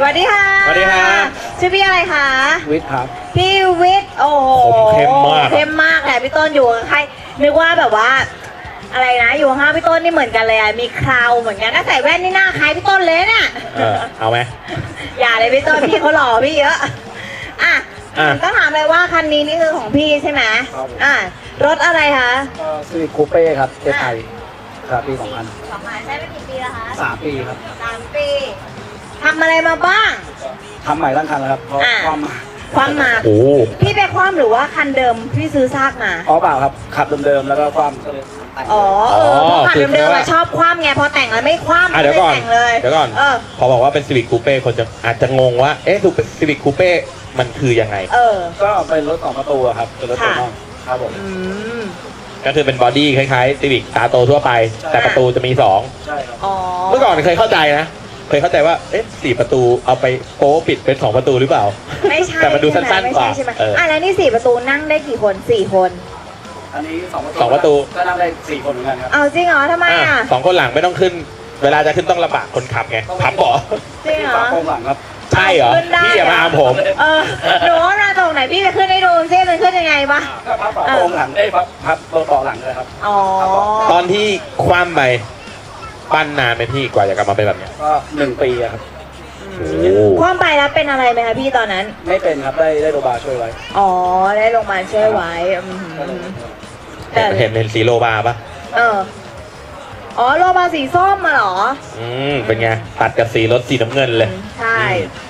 วัสดีค่ะสวัสดีครับชื่อพี่อะไรคะวิทย์ครับพี่วิทย์โอ้โหผมเข้มมากเข้มมากแหละพี่ต้นอยู่กับใครนึกว่าแบบว่าอะไรนะอยู่ข้างพี่ต้นนี่เหมือนกันเลยอะมีคราวเหมือนกันถ้าใส่แว่นนี่หน้าคล้ายพี่ต้นเลยเนี่ยเอาไหมอย่าเลยพี่ต้นพี่เขาหล่อพี่เยอะอ่ะต้องถามเลยว่าคันนี้นี่คือของพี่ใช่ไหมรถอะไรคะซีวิคคูเป้ครับเอสไอครับปี 2000 ใช้ไปกี่ปีแล้วคะ 3 ปีครับ 3 ปีทำอะไรมาบ้างทำใหม่ทั้งคันแล้วครับเพราะความมาพี่ไปคว่ำหรือว่าคันเดิมพี่ซื้อซากมาเปล่าครับขับเดิมๆแล้วก็ความเพราะขับเดิมๆชอบคว่ำไงพอแต่งแล้วไม่คว่ำเดี๋ยวก่อนแต่งเลยเดี๋ยวก่อนพอบอกว่าเป็นซีวิคคูเป้คนจะอาจจะงงว่าเอ๊ะซีวิคคูเป้มันคือยังไงก็เป็นรถ2 ประตูครับเป็นรถตัวน้องครับผมก็คือเป็นบอดี้คล้ายๆซีวิคตาโตทั่วไปแต่ประตูจะมี2 ใช่ครับเมื่อก่อนเคยเข้าใจนะเคยเข้าใจว่าเอ๊ะ4 ประตูเอาไปโป๊ปิดเป็น2 ประตูหรือเปล่าไม่ใช่แต่มันดูสั้นๆกว่าแล้วนี่4 ประตูนั่งได้กี่คน4 คนอันนี้2 ประตูก็นั่งได้4 คนเหมือนกันครับเอาจริงเหรอทำไม 2 คนหลังไม่ต้องขึ้นเวลาจะขึ้นต้องลำบากคนขับไงพับเบาะจริงเหรอโค้งหลังครับใช่เหรอพี่อย่ามาอามผมหนูว่าตรงไหนพี่ไปขึ้นให้ดูซิมันขึ้นยังไงปะพับโค้งหลังได้พับเบาะหลังเลยครับตอนที่คว่ำไปปั้นนานไหมพี่กว่าจะกลับมาเป็นแบบนี้ก็1 ปีครับคว่ำไปแล้วเป็นอะไรไหมคะพี่ตอนนั้นไม่เป็นครับได้โรบาช่วยไว้ได้โรงพยาบาลช่วยไว้เห็นสีโลบาปะโลบาสีส้มมาหรอเป็นไงตัดกับสีรถสีน้ำเงินเลยใช่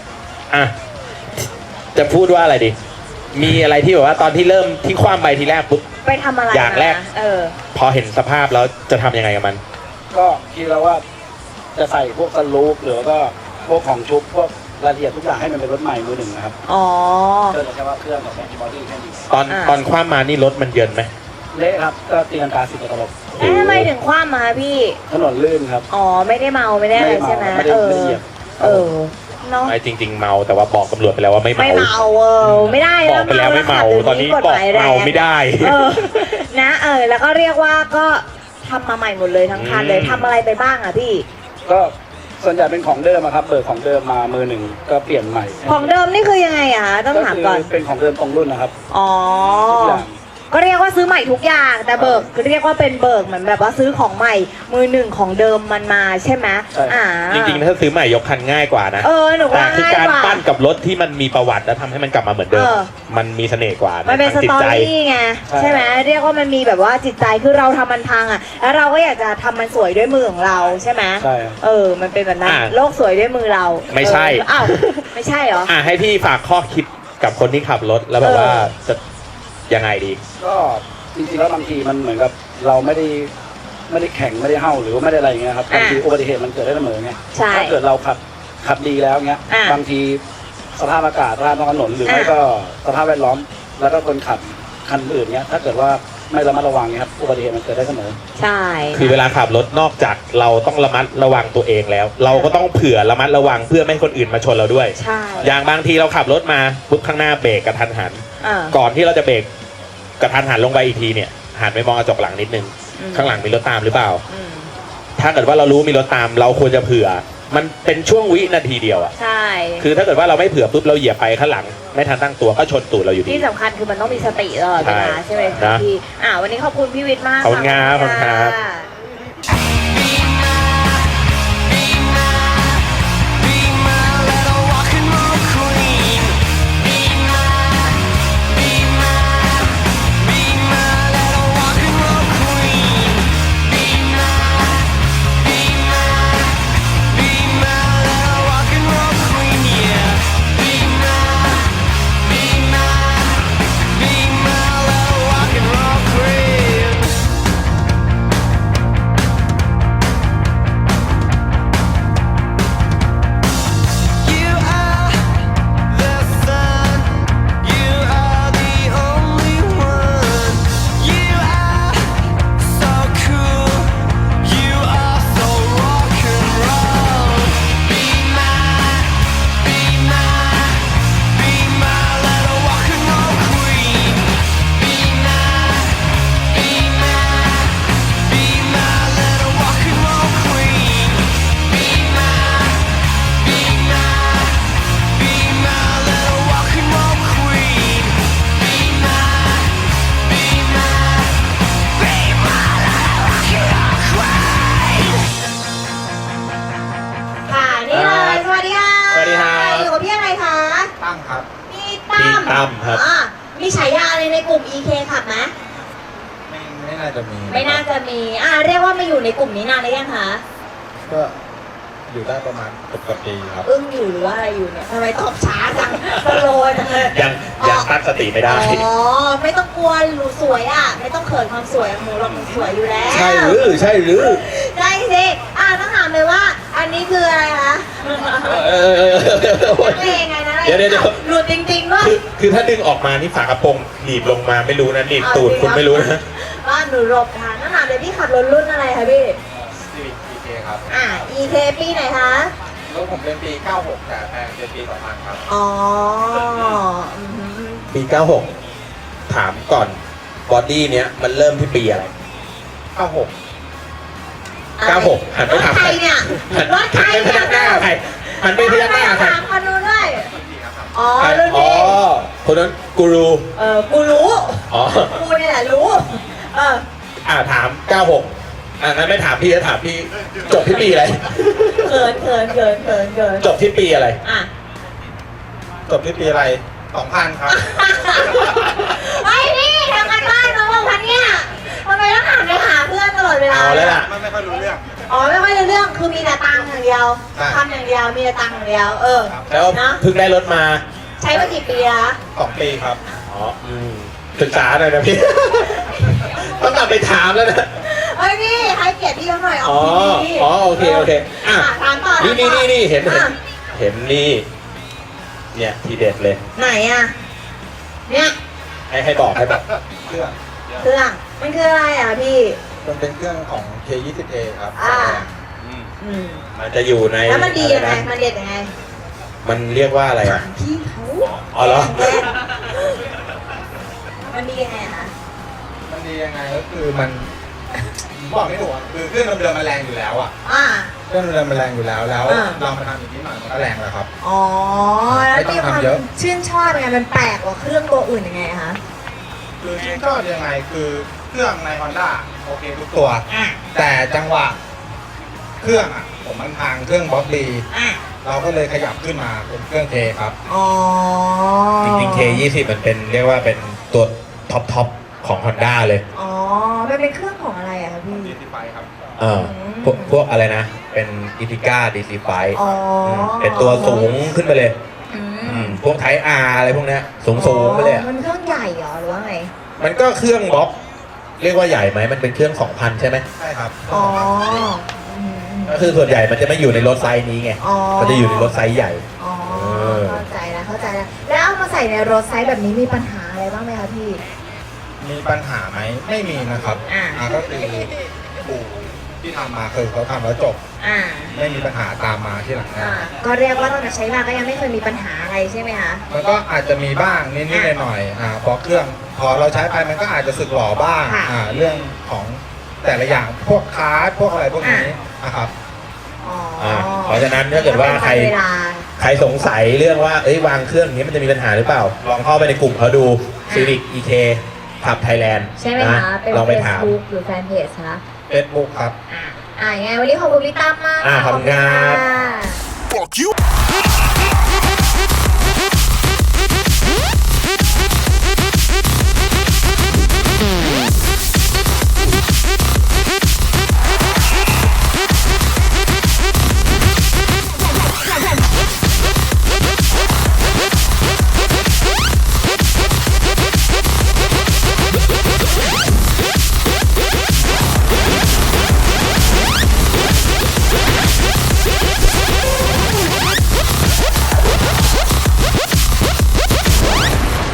จะพูดว่าอะไรดีมีอะไรที่แบบว่าตอนที่เริ่มที่คว่ำไปทีแรกปุ๊บไปทำอะไรอย่างแรกพอเห็นสภาพแล้วจะทำยังไงกับมันก็คิดแล้วว่าจะใส่พวกสลูปหรือก็พวกของชุบพวกรายละเอียดทุกอย่างให้มันเป็นรถใหม่มือ 1นะครับก็เลยแค่ว่าเครื่องกับแบตบอดี้แค่นี้ตอนคว่ำมานี่รถมันเยินไหมเละครับก็ตีลังกา10 ตลบทำไมถึงคว่ำมาพี่ถนนลื่นครับไม่ได้เมาไม่ได้อะไรใช่ไหมไม่เหยียบไม่จริงๆเมาแต่ว่าบอกตำรวจไปแล้วว่าไม่เมาไม่ได้บอกไปแล้วไม่เมาตอนนี้บอกเมาไม่ได้นะแล้วก็เรียกว่าก็ทำมาใหม่หมดเลยทั้งคันเลยทำอะไรไปบ้างอะพี่ก็ส่วนใหญ่เป็นของเดิมครับเบิกของเดิมมามือ 1ก็เปลี่ยนใหม่ของเดิมนี่คือยังไงอะต้องถามก่อนเป็นของเดิมตรงรุ่นนะครับก็เรียกว่าซื้อใหม่ทุกอย่างแต่เบิกเรียกว่าเป็นเบิกเหมือนแบบว่าซื้อของใหม่มือ 1ของเดิมมันมาใช่ไหมจริงๆถ้าซื้อใหม่ยกคันง่ายกว่านะหนูว่าคือการปั้นกับรถที่มันมีประวัติแล้วทำให้มันกลับมาเหมือนเดิมมันมีเสน่ห์กว่ามันเป็นสตอรี่ไงใช่ไหมเรียกว่ามันมีแบบว่าจิตใจคือเราทำมันพังแล้วเราก็อยากจะทำมันสวยด้วยมือของเราใช่ไหมใช่มันเป็นแบบนั้นโลกสวยด้วยมือเราไม่ใช่ไม่ใช่เหรอให้พี่ฝากข้อคิดกับคนที่ขับรถแล้วแบบว่าจะยังไงดีก็จริงๆแล้วบางทีมันเหมือนกับเราไม่ได้แข่งไม่ได้เห่าหรือว่าไม่ได้อะไรเงี้ยครับบางทีอุบัติเหตุมันเกิดได้เสมอไงถ้าเกิดเราขับดีแล้วเงี้ยบางทีสภาพอากาศสภาพถนนหรือไม่ก็สภาพแวดล้อมแล้วก็คนขับคันอื่นเงี้ยถ้าเกิดว่าไม่ระมัดระวังเงี้ยครับอุบัติเหตุมันเกิดได้เสมอใช่คือเวลาขับรถนอกจากเราต้องระมัดระวังตัวเองแล้ว เราก็ต้องเผื่อระมัดระวังเพื่อไม่ให้คนอื่นมาชนเราด้วยใช่อย่างบางทีเราขับรถมาปุ๊บข้างหน้าเบรกกระทันหันก่อนที่เราจะเบรกกระทันหันลงไปอีกทีเนี่ยหันไปมองกระจกหลังนิดนึงข้างหลังมีรถตามหรือเปล่าถ้าเกิดว่าเรารู้มีรถตามเราควรจะเผื่อมันเป็นช่วงวินาทีเดียวใช่คือถ้าเกิดว่าเราไม่เผื่อปุ๊บเราเหยียบไปข้างหลังไม่ทันตั้งตัวก็ชนตูดเราอยู่ดีที่สำคัญคือมันต้องมีสติตลอดเวลาใช่ไหมคะพี่วันนี้ขอบคุณพี่วิทย์มากขอบคุณครับน่าจะมีไม่น่าจะมีเรียกว่ามาอยู่ในกลุ่มนี้นานหรือยังคะก็อยู่ได้ประมาณ10 กว่าปีครับอึ้งอยู่หรือว่าอะไรอยู่เนี่ยทำไมตอบช้าจังสโลว์จังเลยยังตั้งสติไม่ได้อ๋อไม่ต้องกลัวหนูสวยไม่ต้องเขินความสวยของหนูหรอกหนูสวยอยู่แล้วใช่หรือใช่หรือใช่สิต้องถามเลยว่า อันนี้คืออะไรคะ เพลงไงนะเดี๋ยวหลุดจริงๆว่าคือถ้าดึงออกมานี่ฝากระโปรงหนีบลงมาไม่รู้นะหนีบตูดคุณไม่รู้นะว่าหนูหลบทางต้องถามเลยพี่ขับรถรุ่นอะไรคะพี่ Civic EK ครับ EK ปีไหนคะรถผมเป็นปี 96 แต่แพงเป็นปี 2000 ครับอ๋อปี 96 ถามก่อนบอดี้เนี้ยมันเริ่มที่ปีอะไร 96 96 หันไปถามรถใครเนี่ยรถใครหันไปพยักหน้าใครหันไปพยักหน้าใครถามคนนู้นด้วยอ๋อใครรุ่นอ๋อนี้คนนั้นกูรูกูรู้อ๋อกูนี่แหละรู้ถาม 96งั้นไม่ถามพี่จะถามพี่จบที่ปีอะไรเขินจบที่ปีอะไรจบที่ปีอะไร 2000 ครับไอ้นี่ทำกันบ้านน้องพันเนี่ยทำไมต้องหันไปหาเพื่อนตลอดเวลาเอาแล้วล่ะไม่ค่อยรู้เรื่องไม่ค่อยรู้เรื่องคือมีแต่ตังค์อย่างเดียวใช่ทำอย่างเดียวมีแต่ตังค์อย่างเดียวแล้วเนาะเพิ่งได้รถมาใช้มากี่ปีละ 2 ปีครับศึกษาหน่อยนะพี่ ต้องกลับไปถามแล้วนะนี่ให้เกียรติพี่เขาหน่อยอ๋อทีโอเคถามต่อนี่เห็นนี่เนี่ยทีเด็ดเลยไหนเนี่ยให้บอกเครื่องเครื่องมันคืออะไรพี่มันเป็นเครื่องของ K20A ครับมันจะอยู่ในแล้วมันดียังไงอะรนะมันเด็ดยังไงมันเรียกว่าอะไรอ่ะพี่เขาอ๋อเหรอมันดียังไงคะมันดียังไงก็คือมันบอกไม่ถูกอะคือเครื่องเดิมๆมันแรงอยู่แล้วอ่ะ เครื่องเดิมมันแรงอยู่แล้วเรามาทำอีกนิดหน่อยมันก็แรงแล้วครับแล้วไม่ต้องมีความทำเยอะชื่นชอบยังไงมันแปลกกว่าเครื่องตัวอื่นยังไงคะคือชื่นชอบยังไงคือเครื่องใน Honda โอเคทุกตัว แต่จังหวะเครื่องผมมันทางเครื่องบล็อกดีเราก็เลยขยับขึ้นมาเป็นเครื่อง K ครับจริงๆ K20 มันเป็นเรียกว่าเป็นตัวท็อปของ Honda เลยมันเป็นเครื่องของอะไรอะคะพี่ DC5 ครับพวกอะไรนะ เป็นอิติก้า DC5 เป็นตัวสูงขึ้นไปเลยพวกไทป์ R อะไรพวกเนี้ยสูงไปเลยอะมันเครื่องใหญ่เหรอหรือว่าไงมันก็เครื่องบล็อกเรียกว่าใหญ่ไหมมันเป็นเครื่อง 2,000 ใช่ไหมใช่ครับก็คือส่วนใหญ่มันจะไม่อยู่ในรถไซส์นี้ไง มันจะอยู่ในรถไซส์ใหญ่เข้าใจแล้วแล้วเอามาใส่ในรถไซส์แบบนี้มีปัญหาอะไรบ้างไหมคะพี่มีปัญหาไหมไม่มีนะครับก็คือปู่ที่ทำมาคือเขาทำแล้วจบไม่มีปัญหาตามมาที่หลังนะก็เรียกว่าตั้งแต่ใช้มาก็ยังไม่เคยมีปัญหาอะไรใช่ไหมคะมันก็อาจจะมีบ้างนิดๆหน่อยๆเพราะเครื่องพอเราใช้ไปมันก็อาจจะสึกหรอบ้างเรื่องของแต่ละอย่างพวกคาร์ดพวกอะไรพวกนี้นะครับเพราะฉะนั้นถ้าเกิดว่าใครสงสัยเรื่องว่าวางเครื่องนี้มันจะมีปัญหาหรือเปล่า ลองเข้าไปในกลุ่มเขาดู Civic EK ขับไทยแลนด์ใช่ไหมคะเป็นลองไปถาม Facebook หรือแฟนเพจคะ Facebook ครับยังไงวันนี้ขอบคุณพี่ตั้มมากขอบคุณครับ Fuck you